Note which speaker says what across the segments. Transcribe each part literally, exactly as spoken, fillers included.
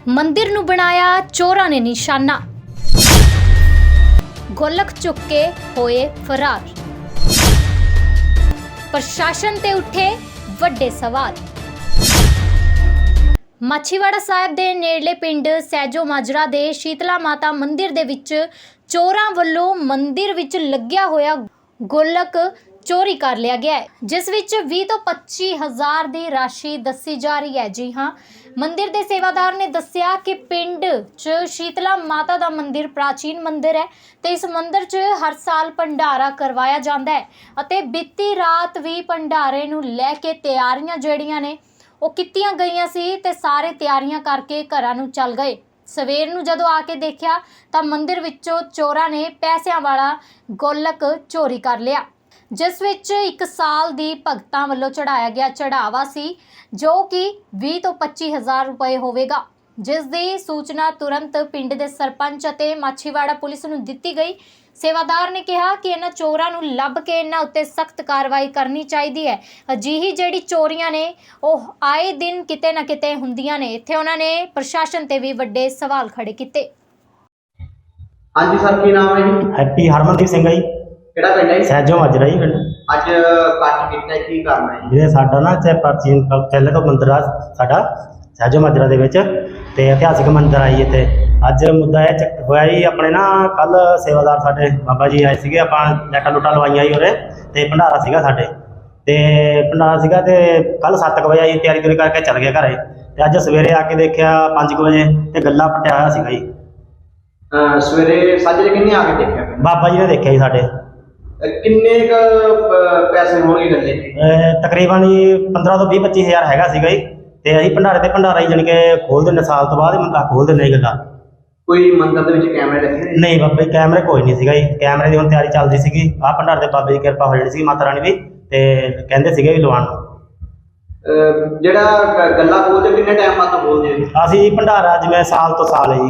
Speaker 1: ਮੰਦਿਰ ਨੂੰ ਬਣਾਇਆ ਚੋਰਾਂ ਨੇ ਨਿਸ਼ਾਨਾ, ਗੋਲਕ ਚੁੱਕ ਕੇ ਹੋਏ ਫਰਾਰ। ਪ੍ਰਸ਼ਾਸਨ ਤੇ ਉੱਠੇ ਵੱਡੇ ਸਵਾਲ। ਮਾਛੀਵਾੜਾ ਸਾਹਿਬ ਦੇ ਨੇੜਲੇ ਪਿੰਡ ਸਹਿਜੋ ਮਾਜਰਾ ਦੇ ਸ਼ੀਤਲਾ ਮਾਤਾ ਮੰਦਿਰ ਦੇ ਵਿੱਚ ਚੋਰਾਂ ਵੱਲੋਂ ਮੰਦਿਰ ਵਿੱਚ ਲੱਗਿਆ ਹੋਇਆ ਗੋਲਕ ਚੋਰੀ ਕਰ ਲਿਆ ਗਿਆ ਹੈ, ਜਿਸ ਵਿੱਚ ਵੀਹ ਤੋਂ ਪੱਚੀ ਹਜ਼ਾਰ ਦੀ ਰਾਸ਼ੀ ਦੱਸੀ ਜਾ ਰਹੀ ਹੈ। ਜੀ ਹਾਂ, ਮੰਦਿਰ ਦੇ ਸੇਵਾਦਾਰ ਨੇ ਦੱਸਿਆ ਕਿ ਪਿੰਡ 'ਚ ਸ਼ੀਤਲਾ ਮਾਤਾ ਦਾ ਮੰਦਿਰ ਪ੍ਰਾਚੀਨ ਮੰਦਿਰ ਹੈ ਤੇ ਇਸ ਮੰਦਿਰ 'ਚ ਹਰ ਸਾਲ ਭੰਡਾਰਾ ਕਰਵਾਇਆ ਜਾਂਦਾ ਹੈ ਅਤੇ ਬੀਤੀ ਰਾਤ ਵੀ ਭੰਡਾਰੇ ਨੂੰ ਲੈ ਕੇ ਤਿਆਰੀਆਂ ਜਿਹੜੀਆਂ ਨੇ ਉਹ ਕੀਤੀਆਂ ਗਈਆਂ ਸੀ ਤੇ ਸਾਰੇ ਤਿਆਰੀਆਂ ਕਰਕੇ ਘਰਾਂ ਨੂੰ ਚੱਲ ਗਏ। ਸਵੇਰ ਨੂੰ ਜਦੋਂ ਆ ਕੇ ਦੇਖਿਆ ਤਾਂ ਮੰਦਿਰ ਵਿੱਚੋਂ ਚੋਰਾਂ ਨੇ ਪੈਸਿਆਂ ਵਾਲਾ ਗੋਲਕ ਚੋਰੀ ਕਰ ਲਿਆ, ਜਿਸ ਵਿੱਚ ਇੱਕ ਸਾਲ ਦੀ ਭਗਤਾਂ ਵੱਲੋਂ ਚੜਾਇਆ ਗਿਆ ਚੜਾਵਾ ਸੀ ਜੋ ਕਿ ਵੀਹ ਤੋਂ ਪੱਚੀ ਹਜ਼ਾਰ ਰੁਪਏ ਹੋਵੇਗਾ, ਜਿਸ ਦੀ ਸੂਚਨਾ ਤੁਰੰਤ ਪਿੰਡ ਦੇ ਸਰਪੰਚ ਅਤੇ ਮਾਛੀਵਾੜਾ ਪੁਲਿਸ ਨੂੰ ਦਿੱਤੀ ਗਈ। ਸੇਵਾਦਾਰ ਨੇ ਕਿਹਾ ਕਿ ਇਹਨਾਂ ਚੋਰਾਂ ਨੂੰ ਲੱਭ ਕੇ ਇਹਨਾਂ ਉੱਤੇ ਸਖਤ ਕਾਰਵਾਈ ਕਰਨੀ ਚਾਹੀਦੀ ਹੈ। ਅਜਿਹੀ ਜਿਹੜੀ ਚੋਰੀਆਂ ਨੇ ਉਹ ਆਏ ਦਿਨ ਕਿਤੇ ਨਾ ਕਿਤੇ ਹੁੰਦੀਆਂ ਨੇ। ਇੱਥੇ ਉਹਨਾਂ ਨੇ ਪ੍ਰਸ਼ਾਸਨ ਤੇ ਵੀ ਵੱਡੇ ਸਵਾਲ ਖੜੇ ਕੀਤੇ।
Speaker 2: ਹਾਂਜੀ ਸਰ, ਕੀ ਨਾਮ ਹੈ ਜੀ?
Speaker 3: ਹੈਪੀ ਹਰਮਨਦੀਪ ਸਿੰਘ ਜੀ।
Speaker 2: ਕਿਹੜਾ ਪਿੰਡ ਹੈ?
Speaker 3: ਸਹਿਜੋ ਮਾਜਰਾ ਜੀ ਪਿੰਡ।
Speaker 2: ਅੱਜ ਕੱਟ ਕੀਤਾ ਕੀ ਕਰਨਾ ਹੈ?
Speaker 3: ਜਿਹਦੇ ਸਾਡਾ ਨਾ ਇੱਥੇ ਪ੍ਰਾਚੀਨ ਪਹਿਲੇ ਤੋਂ ਮੰਦਿਰ ਆ ਸਾਡਾ ਸਹਿਜੋ ਮਾਜਰਾ ਦੇ ਵਿੱਚ ਤੇ ਇਤਿਹਾਸਿਕ ਮੰਦਿਰ ਆ ਜੀ। ਇੱਥੇ ਅੱਜ ਮੁੱਦਾ ਇਹ ਚੱਕ ਹੋਇਆ ਜੀ, ਆਪਣੇ ਨਾ ਕੱਲ ਸੇਵਾਦਾਰ ਸਾਡੇ ਬਾਬਾ ਜੀ ਆਏ ਸੀਗੇ, ਆਪਾਂ ਲੈਟਾਂ ਲੁੱਟਾਂ ਲਵਾਈਆਂ ਜੀ ਉਰੇ ਤੇ ਭੰਡਾਰਾ ਸੀਗਾ ਸਾਡੇ ਤੇ ਭੰਡਾਰਾ ਸੀਗਾ ਤੇ ਕੱਲ ਸੱਤ ਕੁ ਵਜੇ ਜੀ ਤਿਆਰੀ ਤੁਰੀ ਕਰਕੇ ਚੱਲ ਗਏ ਘਰੇ ਤੇ ਅੱਜ ਸਵੇਰੇ ਆ ਕੇ ਦੇਖਿਆ ਪੰਜ ਕੁ ਵਜੇ ਤੇ ਗੱਲਾ ਪਟਿਆ ਹੋਇਆ ਸੀਗਾ ਜੀ।
Speaker 2: ਸਵੇਰੇ ਸਾਜਰੇ ਕਿੰਨੇ ਆ ਕੇ ਦੇਖਿਆ?
Speaker 3: ਬਾਬਾ ਜੀ ਨੇ ਦੇਖਿਆ ਜੀ ਸਾਡੇ।
Speaker 2: ਕਿੰਨੇ ਕ ਪੈਸੇ ਹੋਣਗੇ ਗੱਲੇ?
Speaker 3: ਤਕਰੀਬਨ ਜੀ ਪੰਦਰਾਂ ਤੋਂ ਵੀਹ ਪੱਚੀ ਹਜ਼ਾਰ ਹੈਗਾ ਸੀਗਾ ਜੀ ਤੇ ਅਸੀਂ ਭੰਡਾਰੇ ਤੇ ਭੰਡਾਰਾ ਹੀ ਜਾਣੀ ਕਿ ਖੋਲ ਦਿੰਦੇ, ਸਾਲ ਤੋਂ ਬਾਅਦ ਮੰਦਾ ਖੋਲ ਦਿੰਦੇ ਗੱਲਾਂ।
Speaker 2: ਕੋਈ ਮੰਦਿਰ ਦੇ ਵਿੱਚ ਕੈਮਰੇ ਲੱਗੇ ਨੇ?
Speaker 3: ਨਹੀਂ ਬਾਬਾ ਜੀ, ਕੈਮਰੇ ਕੋਈ ਨਹੀਂ ਸੀਗਾ ਜੀ। ਕੈਮਰੇ ਦੀ ਹੁਣ ਤਿਆਰੀ ਚੱਲਦੀ ਸੀਗੀ। ਆਹ ਭੰਡਾਰੇ ਤੇ ਬਾਬੇ ਦੀ ਕਿਰਪਾ ਹੋ ਜਾਣੀ ਸੀ ਮਾਤਾ ਰਾਣੀ ਦੀ ਤੇ ਕਹਿੰਦੇ ਸੀਗੇ ਵੀ ਲਵਾਉਣ ਨੂੰ।
Speaker 2: ਜਿਹੜਾ ਗੱਲਾਂ ਖੋਲਦੇ ਕਿੰਨੇ ਟਾਈਮ ਬਾਅਦ ਖੋਲਦੇ?
Speaker 3: ਅਸੀਂ ਜੀ ਭੰਡਾਰਾ ਜਿਵੇਂ ਸਾਲ ਤੋਂ ਸਾਲ ਹੈ ਜੀ।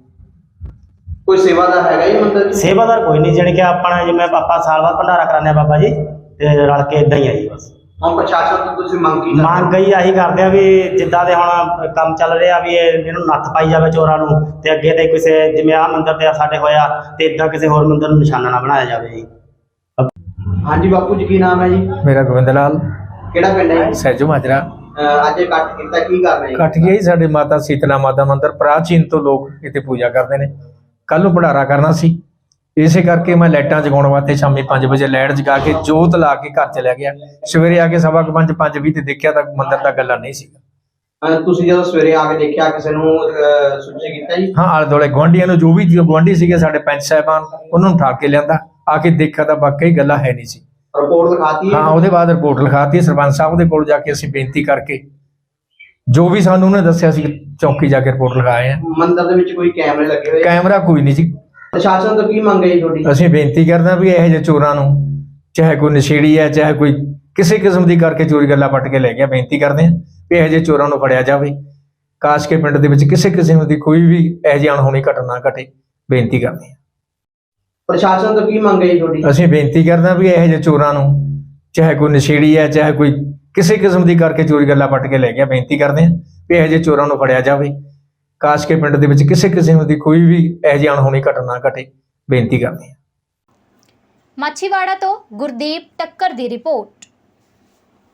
Speaker 2: ਕੋਈ ਸੇਵਾਦਾਰ ਹੈਗਾ ਜੀ ਮੰਦਿਰ?
Speaker 3: ਸੇਵਾਦਾਰ ਕੋਈ ਨਹੀਂ, ਜਾਣੀ ਕਿ ਆਪਣਾ ਜਿਵੇਂ ਆਪਾਂ ਸਾਲ ਬਾਅਦ ਭੰਡਾਰਾ ਕਰਾਉਂਦੇ ਆ ਬਾਬਾ ਜੀ ਤੇ ਰਲ ਕੇ ਇਦਾਂ ਹੀ ਆ ਜੀ ਬਸ।
Speaker 2: ਹੁਣ ਪ੍ਰਸ਼ਾਸਨ ਤੋਂ ਤੁਸੀਂ ਮੰਗ ਕੀ?
Speaker 3: ਮੰਗ ਗਈ ਆਹੀ ਕਰਦੇ ਆ ਵੀ ਜਿੱਦਾਂ ਦੇ ਹੁਣ ਕੰਮ ਚੱਲ ਰਿਹਾ ਵੀ ਇਹ ਇਹਨੂੰ ਨੱਥ ਪਾਈ ਜਾਵੇ ਚੋਰਾਂ ਨੂੰ ਤੇ ਅੱਗੇ ਤੇ ਕਿਸੇ ਜਿਵੇਂ ਆਹ ਮੰਦਿਰ ਤੇ ਸਾਡੇ ਹੋਇਆ ਤੇ ਇਦਾਂ ਕਿਸੇ ਹੋਰ ਮੰਦਿਰ ਨੂੰ ਨਿਸ਼ਾਨਾ ਨਾ ਬਣਾਇਆ ਜਾਵੇ ਜੀ।
Speaker 2: ਹਾਂਜੀ ਬਾਪੂ ਜੀ, ਕੀ ਨਾਮ ਹੈ ਜੀ?
Speaker 4: ਮੇਰਾ ਗੋਬਿੰਦ ਲਾਲ।
Speaker 2: ਕਿਹੜਾ ਪਿੰਡ ਹੈ?
Speaker 4: ਸਹਿਜੋ ਮਾਜਰਾ।
Speaker 2: ਅੱਜ ਕੱਟ ਕੀਤਾ ਕੀ ਕਰ ਰਹੇ?
Speaker 4: ਕੱਟ ਗਿਆ ਜੀ ਸਾਡੇ ਮਾਤਾ ਸੀਤਲਾ ਮਾਤਾ ਮੰਦਿਰ ਪ੍ਰਾਚੀਨ ਤੋਂ ਲੋਕ ਇੱਥੇ ਪੂਜਾ ਕਰਦੇ ਨੇ। ਕੱਲ ਨੂੰ ਭੰਡਾਰਾ ਕਰਨਾ ਸੀ, ਇਸੇ ਕਰਕੇ ਮੈਂ ਲਾਈਟਾਂ ਜਗਾਉਣ ਵਾਸਤੇ ਸ਼ਾਮੀ ਪੰਜ ਵਜੇ ਲਾਈਟ ਜਗਾ ਕੇ ਜੋਤ ਲਾ ਕੇ ਘਰ ਚਲਿਆ ਗਿਆ। ਸਵੇਰੇ ਆ ਕੇ ਸਵਾ ਕੁ ਪੰਜ ਪੰਜ ਵੀਹ ਤੇ ਦੇਖਿਆ ਤਾਂ ਮੰਦਿਰ ਦਾ ਗੱਲਾ ਨਹੀਂ ਸੀਗਾ।
Speaker 2: ਤੁਸੀਂ ਜਦੋਂ ਸਵੇਰੇ ਆ ਕੇ ਦੇਖਿਆ ਕਿਸੇ ਨੂੰ ਸੂਚਿਤ ਕੀਤਾ ਜੀ?
Speaker 4: ਹਾਂ, ਆਲੇ ਦੁਆਲੇ ਗੁਆਂਢੀਆਂ ਨੂੰ, ਜੋ ਵੀ ਗੁਆਂਢੀ ਸੀਗੇ ਸਾਡੇ ਪੰਚ ਸਾਹਿਬਾਨ, ਉਹਨਾਂ ਨੂੰ ਠਾਕ ਕੇ ਲਿਆਂਦਾ। ਆ ਕੇ ਦੇਖਿਆ ਤਾਂ ਵਾਕਈ ਗੱਲਾ ਹੈ ਨਹੀਂ ਸੀ।
Speaker 2: ਰਿਪੋਰਟ ਲਿਖਾਤੀ?
Speaker 4: ਹਾਂ, ਉਹਦੇ ਬਾਅਦ ਰਿਪੋਰਟ ਲਿਖਾਤੀ ਸਰਪੰਚ ਸਾਹਿਬ ਦੇ ਕੋਲ ਜਾ ਕੇ ਅਸੀਂ ਬੇਨਤੀ ਕਰਕੇ ਜੋ ਵੀ ਸਾਨੂੰ ਉਹਨੇ ਦੱਸਿਆ ਸੀ ਚੌਕੀ ਜਾ ਕੇ ਰਿਪੋਰਟ ਲਿਖਾਏ ਆ।
Speaker 2: ਮੰਦਿਰ ਦੇ ਵਿੱਚ ਕੋਈ ਕੈਮਰੇ ਲੱਗੇ ਹੋਏ?
Speaker 4: ਕੈਮਰਾ ਕੋਈ ਨਹੀਂ ਸੀ।
Speaker 2: ਪ੍ਰਸ਼ਾਸਨ ਤੋਂ ਕੀ ਮੰਗ ਹੈ ਜੀ ਤੁਹਾਡੀ?
Speaker 4: ਅਸੀਂ ਬੇਨਤੀ ਕਰਦੇ ਹਾਂ ਵੀ ਇਹੋ ਜਿਹੇ ਚੋਰਾਂ ਨੂੰ, ਚਾਹੇ ਕੋਈ ਨਸ਼ੇੜੀ ਹੈ ਚਾਹੇ ਕੋਈ ਕਿਸੇ ਕਿਸਮ ਦੀ ਕਰਕੇ ਚੋਰੀ ਗੱਲਾਂ ਪੱਟ ਕੇ ਲੈ ਗਿਆ, ਬੇਨਤੀ ਕਰਦੇ ਹਾਂ ਵੀ ਇਹੋ ਜਿਹੇ ਚੋਰਾਂ ਨੂੰ ਫੜਿਆ ਜਾਵੇ। ਕਾਸ਼ ਕੇ ਪਿੰਡ ਦੇ ਵਿੱਚ ਕਿਸੇ ਕਿਸਮ ਦੀ ਕੋਈ ਵੀ ਇਹੋ ਜਿਹੀ ਅਣਹੋਣੀ ਘਟਨਾ ਘਟੇ, ਬੇਨਤੀ ਕਰਦੇ ਹਾਂ।
Speaker 2: ਪ੍ਰਸ਼ਾਸਨ ਤੋਂ ਕੀ ਮੰਗ ਹੈ ਜੀ ਤੁਹਾਡੀ?
Speaker 4: ਅਸੀਂ ਬੇਨਤੀ ਕਰਦੇ ਹਾਂ ਵੀ ਇਹੋ ਜਿਹੇ ਚੋਰਾਂ ਨੂੰ, ਚਾਹੇ ਕੋਈ ਨਸ਼ੇੜੀ ਹੈ ਚਾਹੇ ਕੋਈ ਕਿਸੇ ਕਿਸਮ ਦੀ ਕਰਕੇ ਚੋਰੀ ਗੱਲਾਂ ਪੱਟ ਕੇ ਲੈ ਗਿਆ, ਬੇਨਤੀ ਕਰਦੇ ਹਾਂ ਵੀ ਇਹੋ ਜਿਹੇ ਚੋਰਾਂ ਨੂੰ ਫੜਿਆ ਜਾਵੇ। ਕਾਸ਼ ਕੇ ਪਿੰਡ ਦੇ ਵਿੱਚ ਕਿਸੇ ਕਿਸਮ ਦੀ ਕੋਈ ਵੀ ਇਹੋ ਜਿਹੀ ਅਣਹੋਣੀ ਘਟਨਾ ਘਟੇ, ਬੇਨਤੀ ਕਰਦੇ ਹਾਂ।
Speaker 1: ਮਾਛੀਵਾੜਾ ਤੋਂ ਗੁਰਦੀਪ ਟੱਕਰ ਦੀ ਰਿਪੋਰਟ।